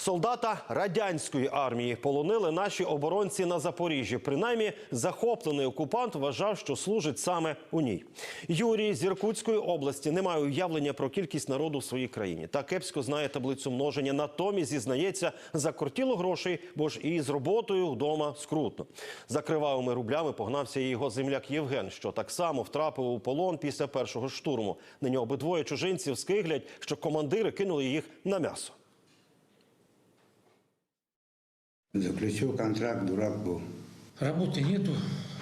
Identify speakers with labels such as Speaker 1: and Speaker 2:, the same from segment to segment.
Speaker 1: Солдата радянської армії полонили наші оборонці на Запоріжжі. Принаймні, захоплений окупант вважав, що служить саме у ній. Юрій з Іркутської області не має уявлення про кількість народу в своїй країні. Та кепсько знає таблицю множення. Натомість, зізнається, закортіло грошей, бо ж і з роботою вдома скрутно. За кривавими рублями погнався і його земляк Євген, що так само втрапив у полон після першого штурму. Нині обидвоє чужинців скиглять, що командири кинули їх на м'ясо.
Speaker 2: Заключил контракт, дурак был.
Speaker 3: Работы нету,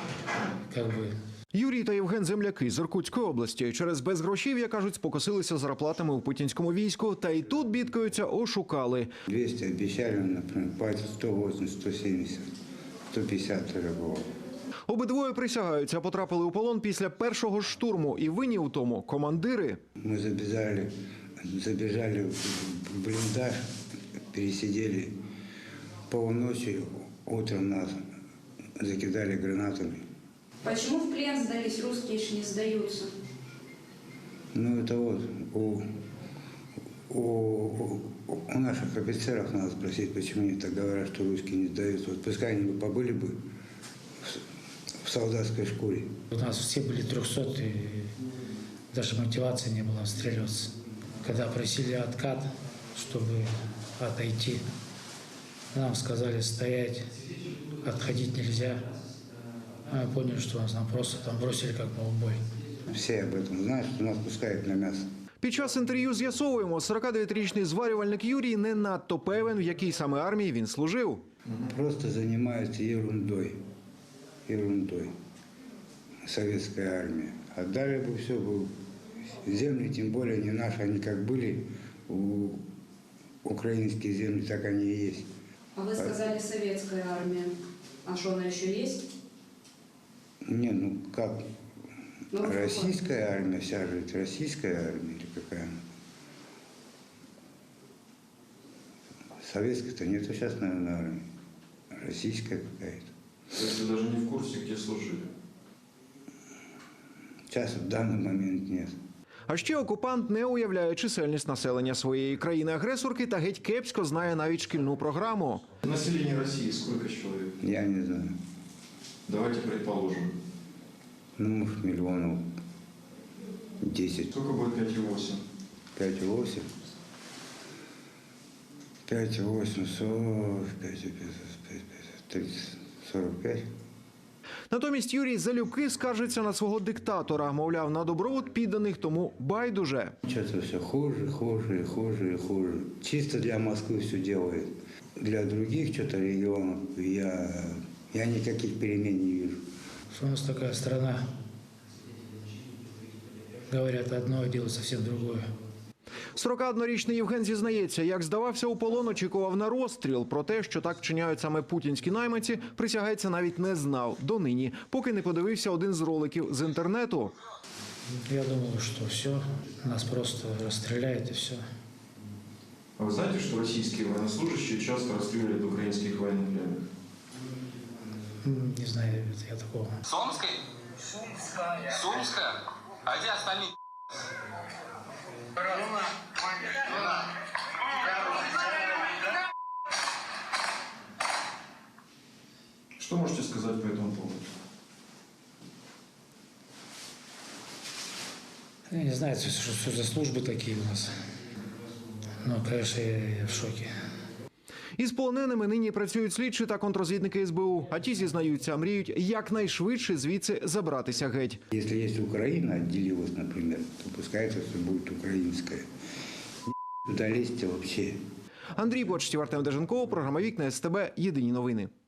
Speaker 4: Юрій та Євген – земляки з Іркутської області. Через безгрошів'я, кажуть, спокосилися зарплатами у путінському війську. Та й тут, бідкаються, ошукали.
Speaker 2: 200 обещали, например, платят 180, 170, 150 тоже было.
Speaker 4: Обидвоє присягаються, потрапили у полон після першого штурму. І винні у тому – командири.
Speaker 2: Мы забежали в блиндаж, пересидели полночи, утром нас закидали гранатами.
Speaker 5: Почему в плен сдались, русские ж не сдаются?
Speaker 2: Ну это вот у наших офицеров надо спросить, почему они так говорят, что русские не сдаются. Вот пускай они побыли бы в солдатской шкуре.
Speaker 3: У нас все были 300, и даже мотивации не было отстреливаться. Когда просили откат, чтобы отойти, нам сказали стоять, отходить нельзя. Мы поняли, что нас просто там бросили как на убой.
Speaker 2: Все об этом знают, что нас пускают на мясо.
Speaker 4: Під час інтерв'ю з'ясовуємо, 49-річний зварювальник Юрій не надто певен, в якій саме армії він служив.
Speaker 2: Просто занимаются ерундой. Ерундой. Советская армия. Отдали бы все, земли, тем более не наши, они как были, украинские земли, так они и есть.
Speaker 5: А вы сказали советская армия. А что, она еще есть?
Speaker 2: Не, ну как?
Speaker 5: Ну,
Speaker 2: Российская армия, вся же это российская армия или какая она? Советской-то нету сейчас, наверное, армии. Российская какая-то.
Speaker 6: То есть вы даже не в курсе, где служили?
Speaker 2: Сейчас в данный момент нет.
Speaker 4: А ще окупант не уявляє чисельність населення своєї країни-агресорки та геть кепсько знає навіть шкільну програму.
Speaker 6: Население России сколько человек?
Speaker 2: Я не знаю.
Speaker 6: Давайте предположим.
Speaker 2: Ну, может, миллионов 10.
Speaker 6: Сколько будет 5,8?
Speaker 2: 5,8. 5,8, 40, 5, 30, 45.
Speaker 4: Натомість Юрій залюбки скаржиться на свого диктатора. Мовляв, на добробут підданих тому байдуже.
Speaker 2: Что-то все хуже, хуже, хуже и хуже. Чисто для Москвы все делает. Для других что-то регионов я никаких перемен не вижу.
Speaker 3: Что у нас такая страна, говорят одно, а делают совсем другое.
Speaker 4: 41-річний Євген зізнається, як здавався у полон, очікував на розстріл. Про те, що так вчиняють саме путінські найманці, присягається, навіть не знав донині, поки не подивився один з роликів з інтернету.
Speaker 3: Я думал, что все, нас просто расстреляют и все.
Speaker 6: А вы знаете, что российские военнослужащие часто расстреливают украинских военнопленных?
Speaker 3: Не знаю, это я такого.
Speaker 7: Сомской? Сумская? А где остальные?
Speaker 6: Что можете сказать по этому поводу?
Speaker 3: Я не знаю, что за службы такие у нас. Ну, конечно, я в шоке.
Speaker 4: Із полоненими нині працюють слідчі та контррозвідники СБУ. А ті, зізнаються, мріють якнайшвидше звідси забратися геть.
Speaker 2: Если есть Украина, отделилась, например, то пускай это все будет украинское. Туда лезьте вообще.
Speaker 4: Андрій Почтів, Артем Деженков, програма «Вікна СТБ». Єдині новини.